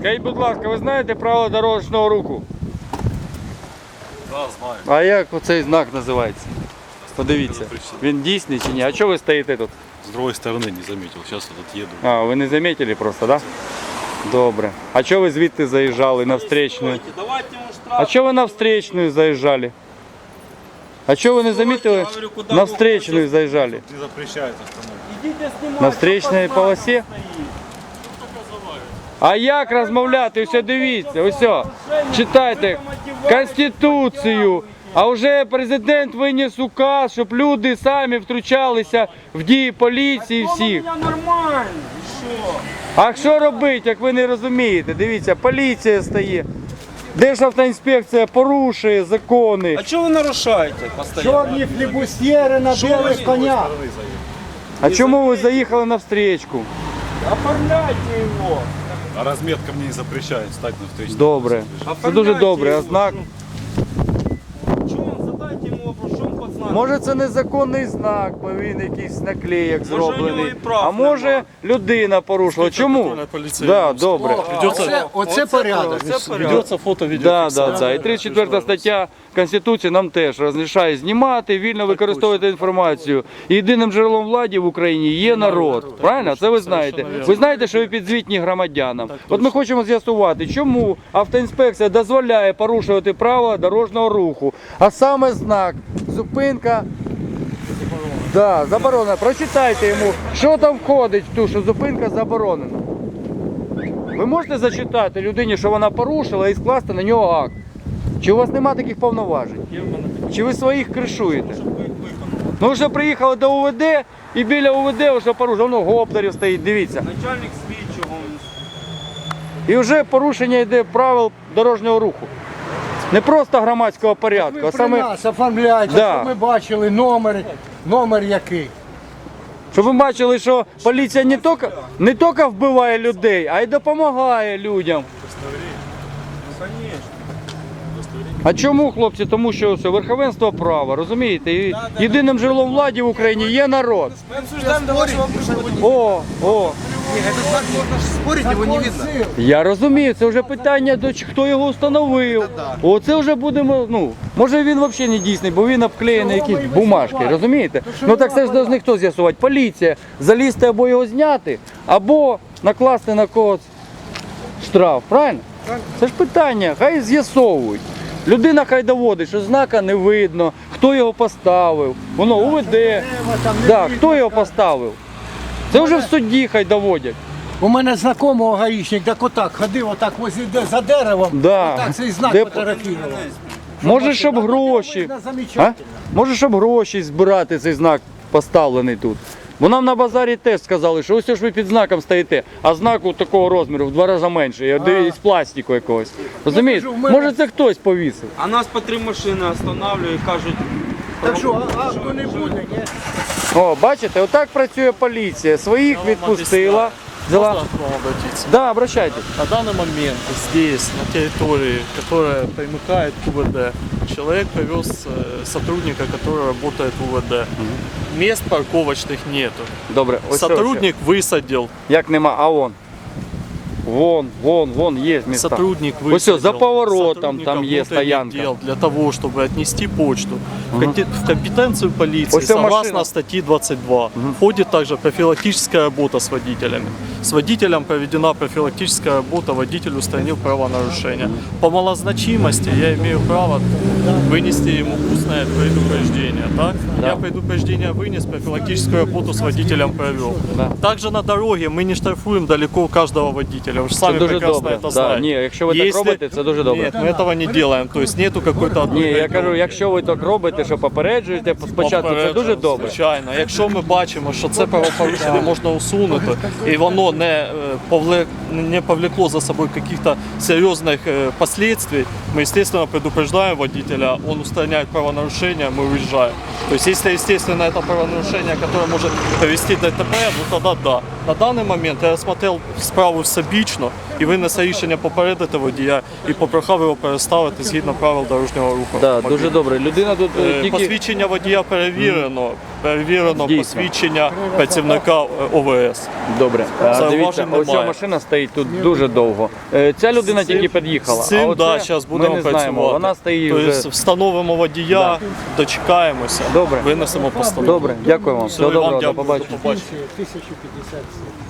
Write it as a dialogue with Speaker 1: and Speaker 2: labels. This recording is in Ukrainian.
Speaker 1: Скажіть, будь ласка, ви знаєте правила дорожнього руху?
Speaker 2: Да, знаю.
Speaker 1: А як оцей знак називається? Подивіться, він дійсний чи ні? А чого ви стоїте тут?
Speaker 2: С другой стороны не заметил. Сейчас вот еду.
Speaker 1: А, ви не замітили просто, так? Да? Добре. А чого ви звідти заїжджали на встречную? А чого ви на встречную заїжджали? А чого ви не замітили? На встречную заїжджали.
Speaker 2: Не запрещается остановить.
Speaker 1: На встречній полосі? А як розмовляти? Ось дивіться, ось. Читайте Конституцію. А вже президент виніс указ, щоб люди самі втручалися в дії поліції всіх.
Speaker 3: Я нормально, що?
Speaker 1: А що робити, як ви не розумієте? Дивіться, поліція стає. Державтоінспекція порушує закони.
Speaker 3: А чого ви нарушаєте постійно?
Speaker 4: Чорні флібустьєри на білих конях.
Speaker 1: А чому ви заїхали на встречку?
Speaker 3: Оформляйте його.
Speaker 2: А разметка мне не запрещает стать на встрече.
Speaker 1: Добре. Це дуже добре. А знак?
Speaker 3: Чому? Задайте йому вопрос, що він пацан?
Speaker 1: Може це незаконний знак, бо він якийсь наклеєк
Speaker 3: Може, у нього
Speaker 1: зроблений.
Speaker 3: і прав
Speaker 1: А може
Speaker 3: нема.
Speaker 1: людина порушила. Чому? Да, добре.
Speaker 4: Оце порядок.
Speaker 2: Ведется фото,
Speaker 1: Да, да, да. І 34 стаття Конституції нам теж розрішає знімати, вільно використовувати інформацію. І єдиним джерелом влади в Україні є народ. Правильно? Це ви знаєте. Ви знаєте, що ви підзвітні громадянам. От ми хочемо з'ясувати, чому автоінспекція дозволяє порушувати правила дорожнього руху. А саме знак зупинка. Да, заборонена. Прочитайте йому, що там входить в ту, що зупинка заборонена. Ви можете зачитати людині, що вона порушила, і скласти на нього акт? Чи у вас нема таких повноважень? Чи ви своїх кришуєте? Ну вже приїхали до УВД і біля УВД вже порушено. Воно гоптерів стоїть, дивіться.
Speaker 3: Начальник слідчого.
Speaker 1: І вже порушення йде правил дорожнього руху. Не просто громадського порядку,
Speaker 4: Ви
Speaker 1: а
Speaker 4: при
Speaker 1: саме,
Speaker 4: нас оформляйте,
Speaker 1: Да.
Speaker 4: щоб ми бачили номер який.
Speaker 1: щоб ви бачили, що поліція не тільки вбиває людей, а й допомагає людям. А чому, хлопці? Тому що все, верховенство права, розумієте? І єдиним джерелом влади в Україні є народ. О.
Speaker 5: Спорить его не видно.
Speaker 1: Я розумію, це вже питання, хто його встановив. Оце вже будемо, може він взагалі не дійсний, бо він обклеєний якісь бумажки, розумієте? Ну так це ж должны хто з'ясувати? Поліція. Залізти або його зняти, або накласти на когось штраф, правильно? Це ж питання, хай з'ясовують. Людина хай доводить, що знака не видно, хто його поставив, воно УВД, да, хто його поставив. Це вже в суді хай доводять.
Speaker 4: У мене знайомого гаїчник, так отак ходив, отак за деревом,
Speaker 1: Да.
Speaker 4: отак цей знак
Speaker 1: Де-
Speaker 4: фотографував.
Speaker 1: Може, щоб гроші. А?
Speaker 4: Замечательно.
Speaker 1: Може, щоб гроші збирати, цей знак поставлений тут. Бо нам на базарі теж сказали, що ось ж ви під знаком стоїте, а знак у такого розміру в 2 рази менший, із пластику якогось. Розумієте? Може це хтось повісив.
Speaker 3: А нас по 3 машини останавливають і кажуть,
Speaker 4: Так що, акту не буде, ні?
Speaker 1: О, бачите, отак працює поліція. Своїх відпустила. Взяла.
Speaker 6: Можно к вам обратиться?
Speaker 1: Да, обращайтесь.
Speaker 6: На данный момент здесь, на территории, которая примыкает к УВД, человек повез сотрудника, который работает в УВД. Мест парковочных нету.
Speaker 1: Добре, ось
Speaker 6: Сотрудник высадил.
Speaker 1: як нема, а вон. Вон, є міста.
Speaker 6: Сотрудник
Speaker 1: Ось
Speaker 6: высадил.
Speaker 1: все, за поворотом
Speaker 6: сотрудника
Speaker 1: там є
Speaker 6: внутренних
Speaker 1: стоянка.
Speaker 6: дел для того, чтобы отнести почту. В компетенцию полиции,
Speaker 1: Ось ця
Speaker 6: согласно
Speaker 1: машина.
Speaker 6: статье 22, входит также профилактическая работа с водителями. С водителем проведена профилактическая работа, водитель устранил правонарушения. По малозначимости я имею право вынести ему устное предупреждение. Так?
Speaker 1: Да.
Speaker 6: Я предупреждение вынес, профилактическую работу с водителем провел.
Speaker 1: Да.
Speaker 6: Также на дороге мы не штрафуем далеко каждого водителя. Вы же сами
Speaker 1: дуже
Speaker 6: прекрасно
Speaker 1: добре.
Speaker 6: это
Speaker 1: Да.
Speaker 6: знаете.
Speaker 1: Ні, якщо ви так робите, це дуже добре.
Speaker 6: Нет, мы этого не делаем. То есть нету какой-то
Speaker 1: Ні,
Speaker 6: одной
Speaker 1: я кажу, якщо ви так робите, що попереджуєте спочатку, це дуже добре.
Speaker 6: Звичайно. Якщо ми бачимо, що це правопорушення можна усунути, і воно не повлекло за собою каких-то серйозних последствий, мы, естественно, предупреждаем водителя, он устраняет правонарушение, мы уезжаем. То есть, если, естественно, это правонарушение, которое может привести до ДТП, ну тогда да. На даний момент я розглянув справу всебічно і винес рішення попередити водія і попрохав його переставити згідно правил дорожнього руху.
Speaker 1: Да, дуже добре. Людина тут
Speaker 6: Посвідчення водія перевірено. Перевірено
Speaker 1: Дійсно.
Speaker 6: посвідчення працівника ОВС.
Speaker 1: Добре.
Speaker 6: Зауважень
Speaker 1: Дивіться, оця
Speaker 6: немає.
Speaker 1: машина стоїть тут дуже довго. Ця людина тільки під'їхала.
Speaker 6: З цим,
Speaker 1: оце
Speaker 6: да, зараз будемо
Speaker 1: ми не знаємо.
Speaker 6: працювати.
Speaker 1: Вона стоїть
Speaker 6: Тобто
Speaker 1: вже.
Speaker 6: встановимо водія, дочекаємося,
Speaker 1: Добре.
Speaker 6: винесемо постанову.
Speaker 1: Добре, дякую вам.
Speaker 6: Все,
Speaker 1: Всього
Speaker 6: і вам
Speaker 1: доброго, до
Speaker 6: дякую, до
Speaker 1: побачення.
Speaker 6: побачення.
Speaker 4: 1057.